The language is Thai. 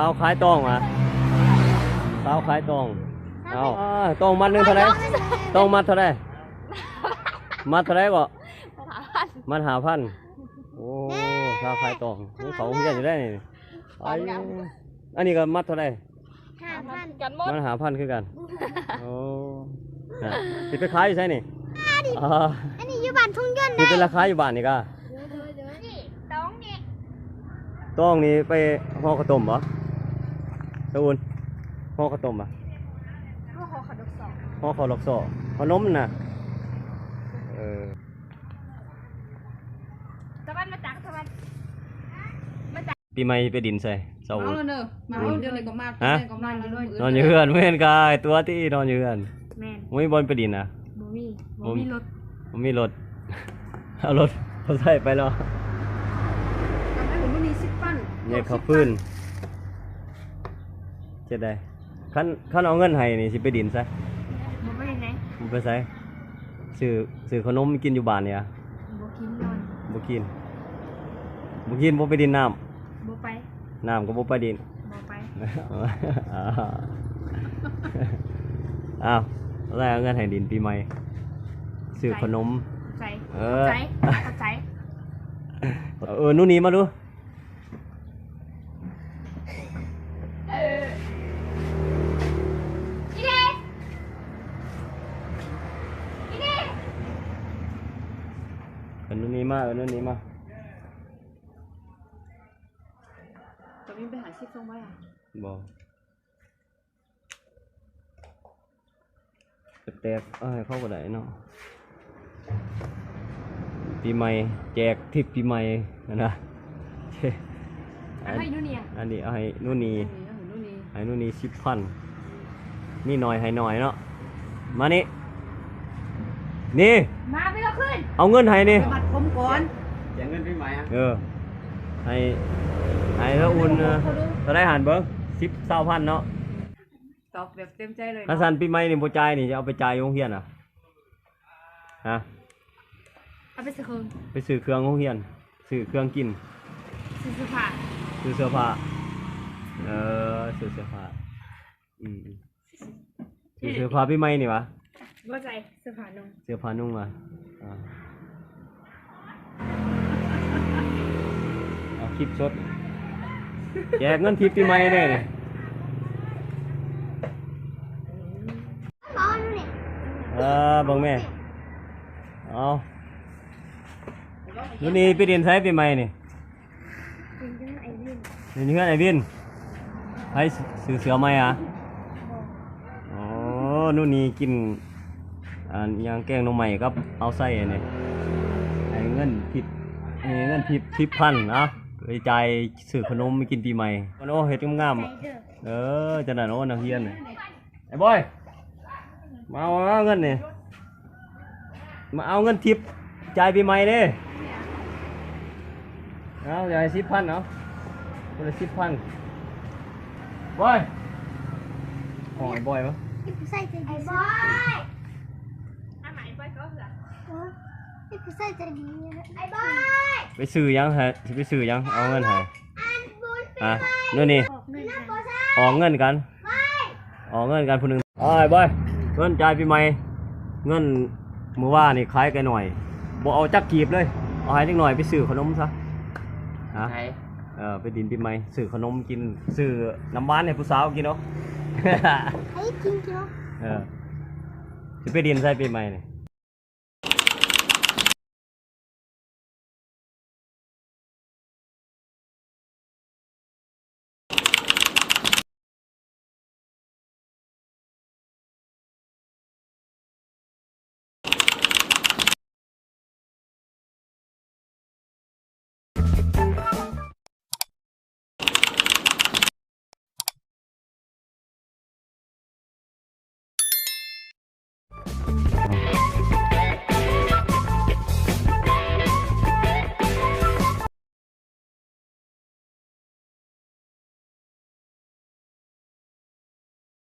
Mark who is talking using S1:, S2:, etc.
S1: าวขายตองมาสาวขายตองเอาตองมัดหนึ่งเท่าไรตองมัดเท่าไรมัดเท่าไรก็มัด5,000โอ้สาวขายตองนี่เขาเฮียจะได้นี่อันนี้ก็มัดเท่าไร
S2: 5,000กันหมด
S1: มัน5,000คือกันโอ้สิไปขายอยู่ใช่นี่
S2: อันนี้อยู่บ้านทุ่งยนต์
S1: นี่เป็นราคาอยู่บ้านนี่ก็
S2: นี่ต้องนี่
S1: ต้องนี่ไปห่อข้าวต้มเหรอตะอุ่นห่อข้าวต้มอ่ะ
S2: ห่อข้าวดอกสอง
S1: ห่อข้าวหลอกสอขนมน่ะ
S2: ตะวันมาจากตะวัน
S1: ปีใหม่ไปดินใส่เสา
S3: เอาเนอะมาเดี๋ยวเลยก็มาก็มาน
S1: อนอยู่เฮือนเมื่อนกายตัวที่นอนอยู่เฮือน
S2: แม่น
S1: ไม่บอลไปดินนะ
S2: บ่มีรถ
S1: เอารถเขาใส่ไปแล้ว
S3: ทำให้ผมไม่มี10 ปั้น
S1: เนี่ยเขาฟื้นจะได้ขั้นเอาเงินให้นี่สิไปดินซะ
S2: บ่ไปไหน
S1: ไปใส่ซื้อขนมกินอยู่บ้านเนี่ย
S2: บ่กินนอน
S1: บ่กินบ่ไปดินน้ำ
S2: บ่ไป
S1: น้ำก็บ่ไปดิน
S2: บ่ไป
S1: อ้าวแล้วเอาเงินให้ดินปีใหม่ซื้อขนม
S2: ใจใจ
S1: นู่นนี่มาดูนู่นนี่มา
S3: จะวิ่งไปหาชิปส่งไว้อ่ะ
S1: บ่แตกให้เข้าก็ได้เนาะปีใหม่แจกทิปปีใหม่นะ
S2: ให้นู่นนี่
S1: อันนี้ให้นู่นนี่10,000นี่หน่อยให้หน่อยเนาะมานี่
S2: มาไปแล้วขึ้น
S1: เอาเงินให้นี่
S3: บัตรผมก่อน
S1: แจกเงินปีใหม่ให้แล้วอุ่นจะได้หันเบิ้ง20,000เนาะ
S3: ตอบแบบเต็มใจเลย
S1: ถ้าสันปีใหม่นี่บ่จ่ายนี่จะเอาไปจ่ายโรงเรียนอ่ะฮะ
S2: เอาไปซื้อเค
S1: รื่องโรงเรียนซื้อเครื่องกิน
S2: ซื้อเสื้อผ้า
S1: ซื้อเสื้อผ้าซื้อเสื้อผ้าซื้อเสื้อผ้าปีใหม่นี่วะ
S2: ว่าใจเสื้อผ้า
S1: นุ่งมาเอาคลิปสดแจกเงินทิปปีใหม่เด้บังแม่เอานู่นนี่ไปเรียนไซส์ปีใหม่นี่เรียนเพื่อนไอวินให้ซื้อเสือไหมอ่ะอ๋อนู่นนี่กินยางแกงนมใหม่ครับเอาไส้เนี่ยไอ้เงินทิป10,000นะไปจ่ายซื้อขนมไปกินปีใหม่โอ้เฮ็ดงามๆจะนั่นโอ้นักเรียนไอ้บอยมาเอาเงินนี่มาเอาเงินทิปจ่ายปีใหม่เด้เอาจ่าย10,000เนาะคนละ10,000บอยของไอ้บอยมั้ย
S2: ไอ้บอยอันไหนบอยก็เหรอไอ้บอย
S1: ไปซื้อยังฮะไปซื้อยังเอาเงินให้นู่นนี่ออกเงินกันคนหนึ่งไอ้บอยเงินจ่ายปีใหม่เงินเมื่อว่านี่ขายกันหน่อยบ่เอาจักกีบเลยเอาให้นิดหน่อยไปซื้อขนมซะฮะไปดินปีใหม่ซื้อขนมกินซื้อน้ำหวานให้ผู้สาวกินเนาะ
S2: ให้กินเนาะ
S1: จะไปดินใส่ปีใหม่นี่